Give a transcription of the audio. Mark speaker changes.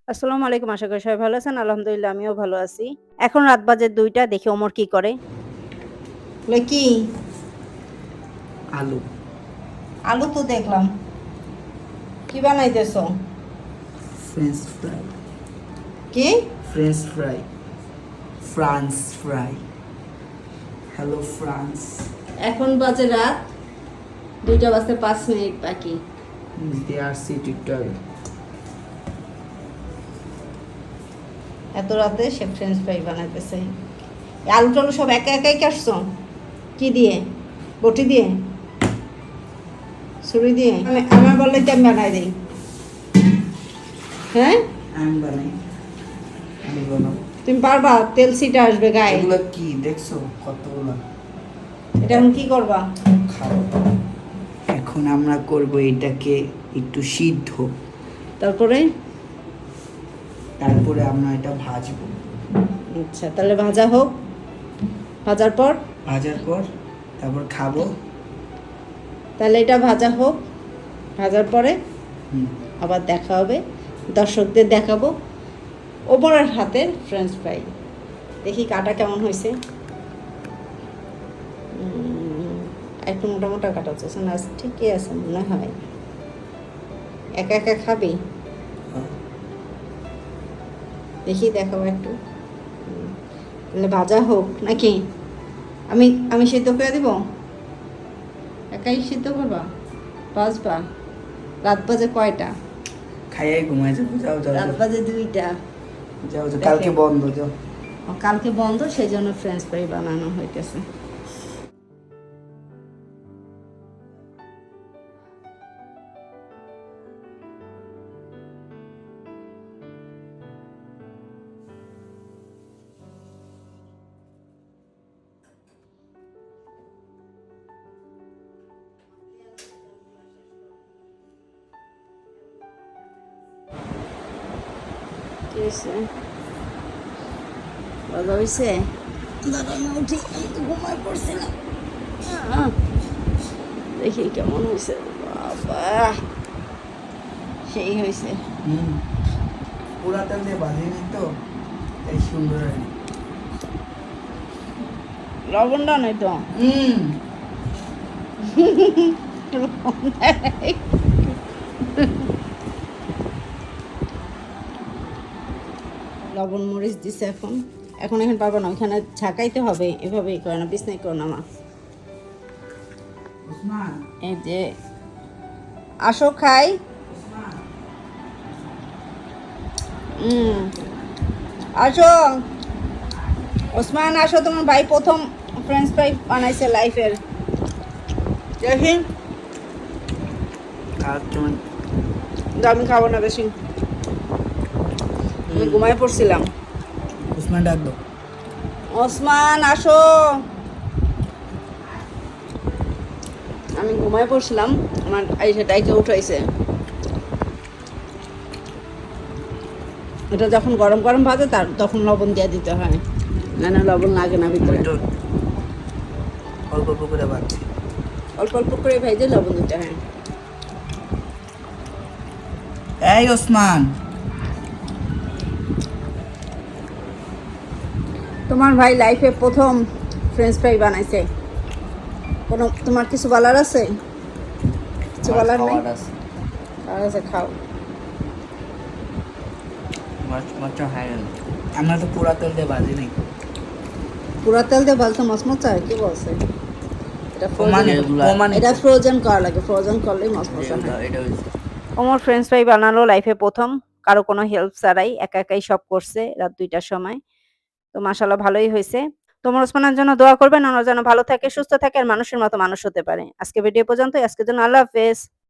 Speaker 1: আসসালামু আলাইকুম। আশা করি সবাই ভালো আছেন। আলহামদুলিল্লাহ আমিও ভালো আছি। এখন রাত বাজে ২টা দেখি ওমর কি করে।
Speaker 2: কি
Speaker 3: আলু
Speaker 2: আলু তো দেখলাম। কি বানাইতেছো?
Speaker 3: ফ্রেঞ্চ ফ্রাই
Speaker 2: কি?
Speaker 3: French fry France fry hello France.
Speaker 2: এখন বাজে রাত 2টা বাজতে 5 মিনিট বাকি।
Speaker 3: দে আর সি টিকটক।
Speaker 2: এত রাতে সে ফ্রেঞ্চ ফ্রাই বানাইতেছে। এই আলু টালু সব একা একাই কাটছো? কি দিয়ে? বটি দিয়ে? ছুরি দিয়ে? আমার বললে তো আমি বানাই দিই। হ্যাঁ,
Speaker 3: আমি বানাই, আমি বানাবো।
Speaker 2: তুমি পারবা? তেল ছিটা আসবে গায়ে।
Speaker 3: এগুলো কি দেখছো কতগুলো?
Speaker 2: এটা এখন কি করবা?
Speaker 3: খাও। এখন আমরা করব এটাকে একটু সিদ্ধ,
Speaker 2: তারপরে?
Speaker 3: তারপরে আমরা এটা ভাজবো।
Speaker 2: আচ্ছা, তাহলে ভাজা হোক। ভাজার পর?
Speaker 3: ভাজার পর তারপর খাবো।
Speaker 2: তাহলে এটা ভাজা হোক, ভাজার পরে
Speaker 3: হুম।
Speaker 2: আবার দেখা হবে, দর্শকদের দেখাবো ওপরের হাতের ফ্রেঞ্চ ফ্রাই। দেখি কাটা কেমন হয়েছে। একটু মোটা মোটা কাটা হচ্ছে না, ঠিকই আছে মনে হয়। একা একা খাবি? দেখি দেখাবো একটু। তাহলে ভাজা হোক নাকি? আমি আমি সিদ্ধ করে দিব? একাই সিদ্ধ করবা? বাজবা? রাত বাজে কয়টা?
Speaker 3: খাইয়াই ঘুমাই যাবো। যাও যাও
Speaker 2: রাত
Speaker 3: যাও।
Speaker 2: বাজে 2টা।
Speaker 3: যাও যাও, কালকে বন্ধ। যাও।
Speaker 2: কালকে বন্ধ, সেই জন্য ফ্রেঞ্চ ফ্রাই বানানো হইতেছে। কি হয়েছে? ভালো হয়েছে? দাদা না উঠি, আমি তো ঘুমায় পড়ছিলাম। দেখি কেমন হয়েছে। বাবা, সেই হয়েছে।
Speaker 3: পুরা তেল দিয়ে বাজিনি তো, তাই সুন্দর হয়।
Speaker 2: লবণটা নেই তো। লবণ মরিচ দিছে। এখন এখন এখন পারবো না, ওইখানে ঝাঁকাইতে হবে। এভাবেই করে না, বিছনাই করো না মা।
Speaker 3: ওসমান,
Speaker 2: এই যে আসো খাই।
Speaker 3: ওসমান।
Speaker 2: আসো ওসমান, আসো। তোমার ভাই প্রথম ফ্রেঞ্চ ফ্রাই বানাইছে লাইফের। দেখি।
Speaker 3: আর তুমি
Speaker 2: আমি খাবো না বেশি, আমি ঘুমায় পড়ছিলাম।
Speaker 3: ওসমান ডাক দাও।
Speaker 2: ওসমান আসো। আমি ঘুমায় পড়ছিলাম, আমার আইসে ডাইকে উঠাইছে। এটা যখন গরম গরম ভাজে তার তখন লবণ দিয়ে দিতে হয়, না না লবণ লাগে না ভিতরে।
Speaker 3: একটু অল্প অল্প করে বাড়ছি।
Speaker 2: অল্প অল্প করে ভেজে লবণ দিতে হয়।
Speaker 3: এই ওসমান,
Speaker 2: তোমার ভাই লাইফে প্রথম ফ্রেঞ্চ ফ্রাই বানাইছে। কোনো তোমার কিছু বলার আছে? কিছু বলার নেই? আর আছে, খাও।
Speaker 3: আমরা তো পুরা তেল দিয়ে বাজি নাই।
Speaker 2: পুরা তেল দিয়ে ভাজতে মচমচা হয়? কি বলছে? এটা এটা
Speaker 3: এটা
Speaker 2: ফ্রোজেন করা লাগে, ফ্রোজেন করলেই মচমচা হয়।
Speaker 1: ওমর ফ্রেঞ্চ ফ্রাই বানালো লাইফে ১ম। কারো কোনো হেল্প ছাড়াই একা একাই সব করছে রাত ২টার সময়। তো মাশাআল্লাহ ভালোই হইছে। তো ওমর ওসমানের জন্য দোয়া করবেন, ওরা যেন ভালো থাকে, সুস্থ থাকে আর মানুষের মতো মানুষ হতে পারে। আজকে ভিডিও পর্যন্তই। আজকের জন্য আল্লাহ হাফেজ।